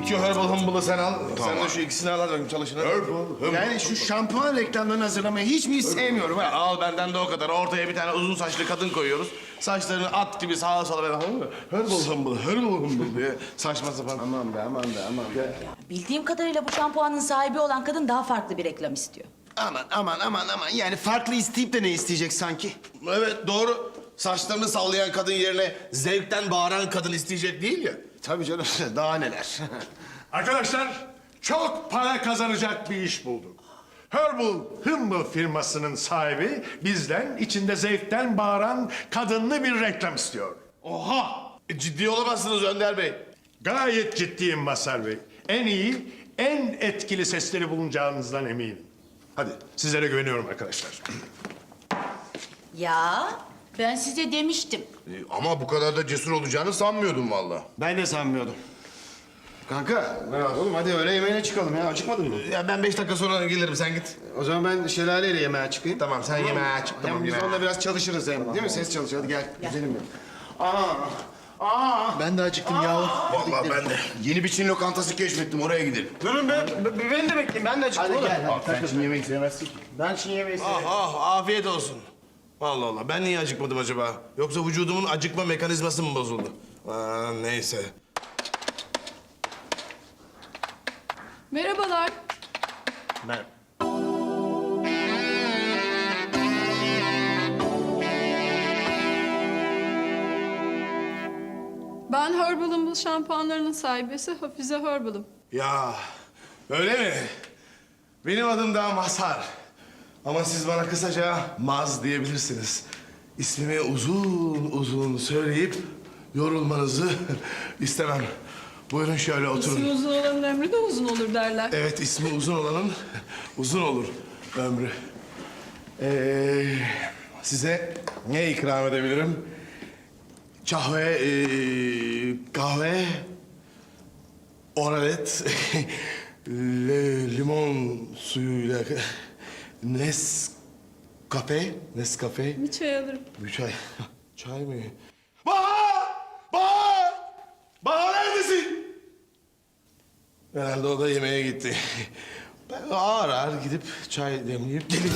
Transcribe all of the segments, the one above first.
Şu Herbal Humble'ı sen al. Sen de şu ikisini al hadi çalışın. Yani şu şampuan reklamlarını hazırlamayı hiç mi sevmiyorum ha? Al benden de o kadar. Ortaya bir tane uzun saçlı kadın koyuyoruz. Saçlarını at gibi sağa sola böyle Herbal Humble, Herbal Humble diye saçma sapan. Aman be, aman be, aman be. Bildiğim kadarıyla bu şampuanın sahibi olan kadın daha farklı bir reklam istiyor. Aman. Yani farklı isteyip de ne isteyecek sanki? Evet doğru. Saçlarını sallayan kadın yerine zevkten bağıran kadın isteyecek değil ya. Tabii canım, daha neler. Arkadaşlar, çok para kazanacak bir iş bulduk. Herbal Humble firmasının sahibi bizden içinde zevkten bağıran kadınlı bir reklam istiyor. Oha! Ciddi olamazsınız Önder Bey. Gayet ciddiyim Mazhar Bey. En iyi, en etkili sesleri bulunacağınızdan eminim. Hadi sizlere güveniyorum arkadaşlar. Ya ben size demiştim. Ama bu kadar da cesur olacağını sanmıyordum vallahi. Ben de sanmıyordum. Kanka, oğlum hadi öğle yemeğine çıkalım ya. Acıkmadın mı? Ya ben 5 dakika sonra gelirim sen git. O zaman ben şelaleyle yemeğe çıkayım. Tamam sen yemeğe çık. Hem Tamam, biz yemeğe. onunla biraz çalışırız hem. Değil mi? Ses çalışıyor. Hadi gel. Güzelim benim. Ben de acıktım yahu. Vallahi ben de. Yeni bir Çin lokantası keşfettim, oraya gidelim. Durun be. Beni de bekleyin. Ben de acıktım. Hadi gel. Sen Çin yemeği sevmezsin ki. Ben Çin yemeği seviyorum. Afiyet olsun. Allah Allah ben niye acıkmadım acaba? Yoksa vücudumun acıkma mekanizması mı bozuldu? Neyse. Merhabalar. Ben Herbal Humble şampuanlarının sahibesi Hafize Herbal'ım. Ya öyle mi? Benim adım da Mazhar. Ama siz bana kısaca Maz diyebilirsiniz. İsmimi uzun uzun söyleyip yorulmanızı istemem. Buyurun şöyle oturun. İsmi uzun olanın ömrü de uzun olur derler. Evet, ismi uzun olanın uzun olur ömrü. Size ne ikram edebilirim? Kahve, oralet, limon suyuyla, Nescafe. Bir çay alırım. Bir çay. Çay mı? Bahar neredesin? Herhalde o da yemeğe gitti. Ben ağır ağır gidip çay demleyip geleyim.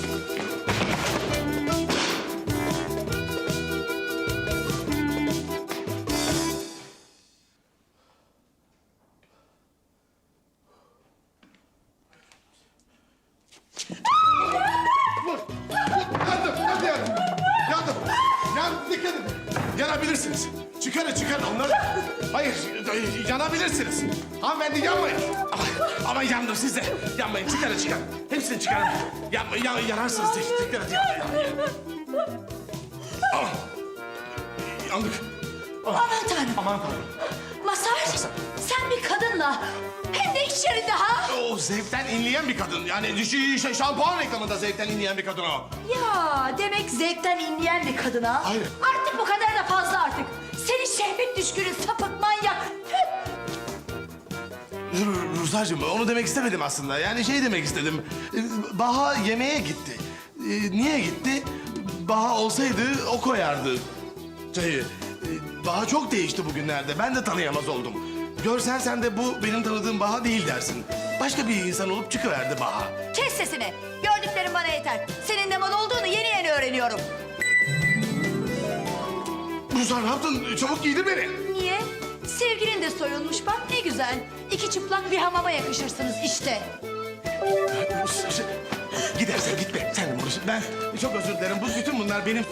Yandım. Dikkat edin. Yanabilirsiniz. Çıkarın onları. Hayır, yanabilirsiniz. Hanımefendi yanmayın. Ama yandım siz de. Yanmayın, çıkarın. Hepsini çıkarın. Yanarsınız. Dikkat edin. Yandık. Aman Tanrım. Aman Tanrım. Mazhar, sen bir kadınla hem de iş yerinde ha? O zevkten inleyen bir kadın. Yani şampuan reklamında zevkten inleyen bir kadın o. Ya demek zevkten inleyen bir kadına. Hayır. Artık bu kadar da fazla artık. Seni şehvet düşkünü, sapık, manyak. Ruslarcığım onu demek istemedim aslında. Yani şey demek istedim. Baha yemeğe gitti. Niye gitti? Baha olsaydı o koyardı çayı. Baha çok değişti bugünlerde. Ben de tanıyamaz oldum. Görsen sen de bu benim tanıdığım Baha değil dersin. Başka bir insan olup çıkıverdi Baha. Kes sesini. Gördüklerim bana yeter. Senin ne mal olduğunu yeni öğreniyorum. Ruslar ne yaptın? Çabuk giydir beni. Niye? Sevgilin de soyulmuş bak ne güzel. İki çıplak bir hamama yakışırsınız işte. Gidersen gitme. Sen de burası. Ben çok özür dilerim. Bütün bunlar benim...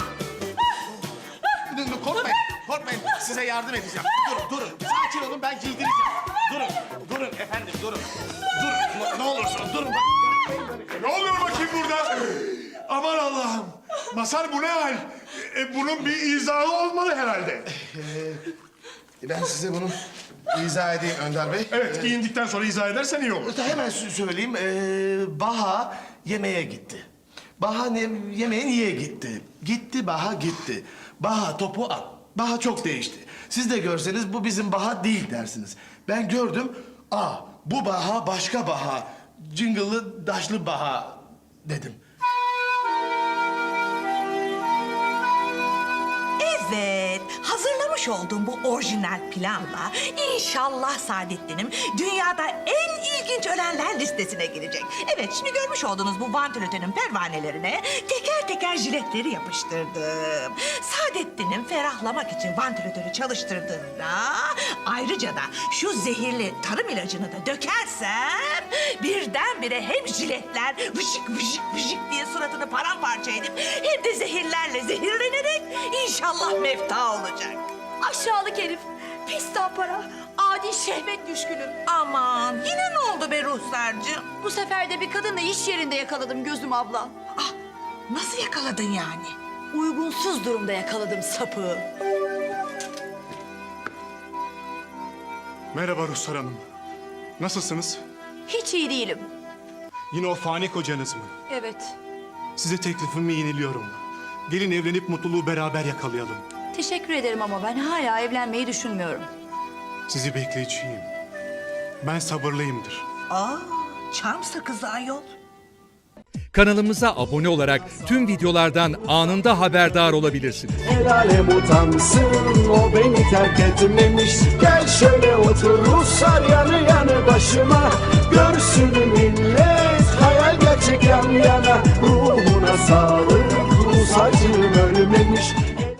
Korkmayın. Size yardım edeceğim. Durun. Sakin olun, ben giydireceğim. Durun efendim, durun. Ne olursun, durun. Ne oluyor bakayım burada? Aman Allah'ım. Mazhar bu ne hal? Bunun bir izahı olmalı herhalde. Ben size bunu izah edeyim Önder Bey. Evet, giyindikten sonra izah edersen iyi olur. Hemen söyleyeyim. Baha yemeğe gitti. Baha yemeğe niye gitti? Gitti Baha gitti. Baha topu at. Baha çok değişti. Siz de görseniz bu bizim Baha değil dersiniz. Ben gördüm. Bu Baha başka Baha. Cıngıllı daşlı Baha dedim. Evet, hazırlamış yapmış olduğum bu orijinal planla inşallah Saadettin'im dünyada en ilginç ölenler listesine girecek. Evet, şimdi görmüş olduğunuz bu vantilatörün pervanelerine teker teker jiletleri yapıştırdım. Saadettin'im ferahlamak için vantilatörü çalıştırdığında ayrıca da şu zehirli tarım ilacını da dökersem birdenbire hem jiletler vışık vışık vışık diye suratını paramparça edip hem de zehirlerle zehirlenerek inşallah mefta olacak. Aşağılık herif. Pis para. Adi şehvet düşkünü. Aman yine ne oldu be Ruhsar'cığım? Bu sefer de bir kadınla iş yerinde yakaladım gözüm abla. Ah, nasıl yakaladın yani? Uygunsuz durumda yakaladım sapığı. Merhaba Ruhsar Hanım. Nasılsınız? Hiç iyi değilim. Yine o fani kocanız mı? Evet. Size teklifimi yeniliyorum. Gelin evlenip mutluluğu beraber yakalayalım. Teşekkür ederim ama ben hala evlenmeyi düşünmüyorum. Sizi bekleyeceğim. Ben sabırlıyımdır. Aa, çam sakızı ayol. Kanalımıza abone olarak tüm videolardan anında haberdar olabilirsiniz. El alem utansın, o beni terk etmemiş. Gel şöyle otur Ruslar yanı yanı başıma. Görsün millet, hayal gerçek yan yana. Ruhuna sağlık, Rus acım ölmemiş.